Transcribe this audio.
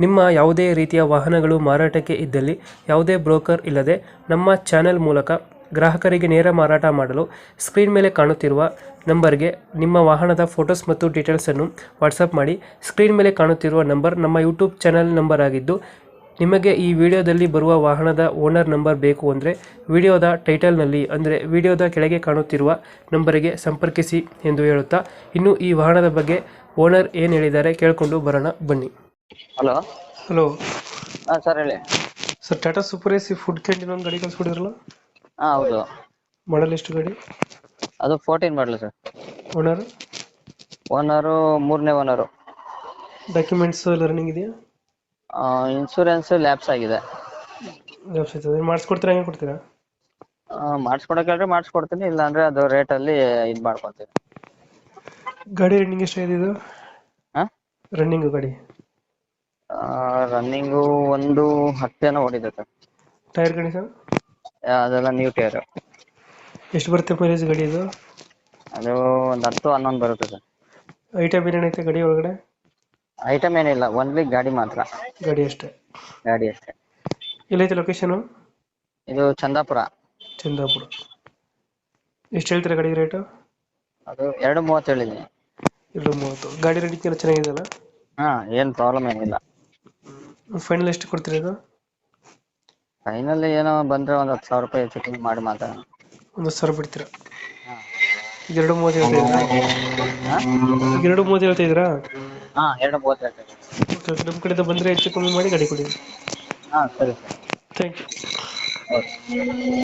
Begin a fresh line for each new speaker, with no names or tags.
ನಿಮ್ಮ ಯಾವುದೇ ರೀತಿಯ ವಾಹನಗಳು ಮಾರಾಟಕ್ಕೆ ಇದ್ದಲ್ಲಿ ಯಾವುದೇ ಬ್ರೋಕರ್ ಇಲ್ಲದೆ ನಮ್ಮ ಚಾನೆಲ್ ಮೂಲಕ ಗ್ರಾಹಕರಿಗೆ ನೇರ ಮಾರಾಟ ಮಾಡಲು ಸ್ಕ್ರೀನ್ ಮೇಲೆ ಕಾಣುತ್ತಿರುವ ನಂಬರ್ಗೆ ನಿಮ್ಮ ವಾಹನದ ಫೋಟೋಸ್ ಮತ್ತು ಡೀಟೇಲ್ಸನ್ನು ವಾಟ್ಸಪ್ ಮಾಡಿ. ಸ್ಕ್ರೀನ್ ಮೇಲೆ ಕಾಣುತ್ತಿರುವ ನಂಬರ್ ನಮ್ಮ ಯೂಟ್ಯೂಬ್ ಚಾನೆಲ್ ನಂಬರ್ ಆಗಿದ್ದು, ನಿಮಗೆ ಈ ವಿಡಿಯೋದಲ್ಲಿ ಬರುವ ವಾಹನದ ಓನರ್ ನಂಬರ್ ಬೇಕು ಅಂದರೆ ವಿಡಿಯೋದ ಟೈಟಲ್ನಲ್ಲಿ ಅಂದರೆ ವಿಡಿಯೋದ ಕೆಳಗೆ ಕಾಣುತ್ತಿರುವ ನಂಬರಿಗೆ ಸಂಪರ್ಕಿಸಿ ಎಂದು ಹೇಳುತ್ತಾ, ಇನ್ನು ಈ ವಾಹನದ ಬಗ್ಗೆ ಓನರ್ ಏನು ಹೇಳಿದ್ದಾರೆ ಕೇಳಿಕೊಂಡು ಬರೋಣ ಬನ್ನಿ.
ಹಲೋ.
ಹಲೋ
ಹಾಂ ಸರ್ ಹೇಳಿ.
Sir, Tata super AC food canteen ಒಂದು ಗಾಡಿ ಕಳಿಸ್ಕೊಡಿದ್ರಲ್ಲ,
ಹಾಂ ಹೌದು.
ಮಾಡಲ್ ಎಷ್ಟು ಗಾಡಿ?
ಅದು 14 ಮಾಡಲು ಸರ್.
ಓನರ್?
ಓನರು ಮೂರನೇ ಓನರು.
ಡಾಕ್ಯುಮೆಂಟ್ಸ್ ಎಲ್ಲ ರನ್ನಿಂಗ್ ಇದೆಯಾ?
ಇನ್ಶೂರೆನ್ಸ್ ಲ್ಯಾಪ್ಸ್ ಆಗಿದೆ.
ಮಾಡಿಸ್ಕೊಡ್ತೀರಾ, ಹೆಂಗೆ ಕೊಡ್ತೀರಾ?
ಮಾಡಿಸ್ಕೊಡಕ್ಕೆ ಮಾಡಿಸ್ಕೊಡ್ತೀನಿ, ಇಲ್ಲಾಂದ್ರೆ ಅದು ರೇಟಲ್ಲಿ ಇದು ಮಾಡ್ಕೊತೀನಿ.
ಗಾಡಿ ರನ್ನಿಂಗ್ ಎಷ್ಟಾಗಿದೆ ಇದು?
ಹಾಂ,
ರನ್ನಿಂಗ್ ಗಾಡಿ
ರನ್ನಿಂಗು 110 ಓಡಿದೆ ಸರ್.
ಟೈರ್ ಗಾಡಿ ಸರ್?
ಅದೆಲ್ಲ ನ್ಯೂ ಟೈರ್.
ಎಷ್ಟು ಬರುತ್ತೆ ಮೈಲೇಜ್ ಗಾಡಿ ಇದು?
ಅದು ಒಂದು 10-11 ಬರುತ್ತೆ ಸರ್.
ಐಟಮ್ ಏನೇನೈತೆ ಗಾಡಿ ಒಳಗಡೆ?
ಐಟಮ್ ಏನಿಲ್ಲ, ಓನ್ಲಿ ಗಾಡಿ ಮಾತ್ರ.
ಗಾಡಿ ಅಷ್ಟೇ?
ಗಾಡಿ ಅಷ್ಟೇ.
ಎಲ್ಲೈತೆ ಲೊಕೇಶನು?
ಇದು ಚಂದಾಪುರ.
ಚಂದಾಪುರ. ಎಷ್ಟು ಹೇಳ್ತೀರಾ ಗಾಡಿ ರೇಟು?
ಅದು 230 ಹೇಳಿದ್ದೀನಿ.
230. ಗಾಡಿ ರೇಟಿಂಗ್ ಎಲ್ಲ ಚೆನ್ನಾಗಿದೆಯಲ್ಲ?
ಹಾಂ, ಏನು ಪ್ರಾಬ್ಲಮ್ ಏನಿಲ್ಲ.
ಫೈನಲ್ ಎಷ್ಟು ಕೊಡ್ತೀರಾ ಇದು?
ಫೈನಲ್ ಏನೋ ಬಂದರೆ ಒಂದು 10,000 ರೂಪಾಯಿ ಹೆಚ್ಚು ಕಮ್ಮಿ ಮಾಡಿ ಮಾತಾಡೋಣ.
1,000 ಬಿಡ್ತೀರಾ?
ಹಾಂ.
230 ಹೇಳ್ತಾ ಇದ್ದೀರಾ?
ಹಾಂ,
230 ಹೇಳ್ತಾ ಇದ್ದೀರಾ?
ಹಾಂ 230 ಹೇಳ್ತೇನೆ.
ಓಕೆ ಓಕೆ, ನಮ್ಮ ಕಡೆಯಿಂದ ಬಂದರೆ ಹೆಚ್ಚು ಕಮ್ಮಿ ಮಾಡಿ ಗಾಡಿ ಕೊಡಿ.
ಹಾಂ ಸರಿ ಸರ್.
Thank you.
ಓಕೆ.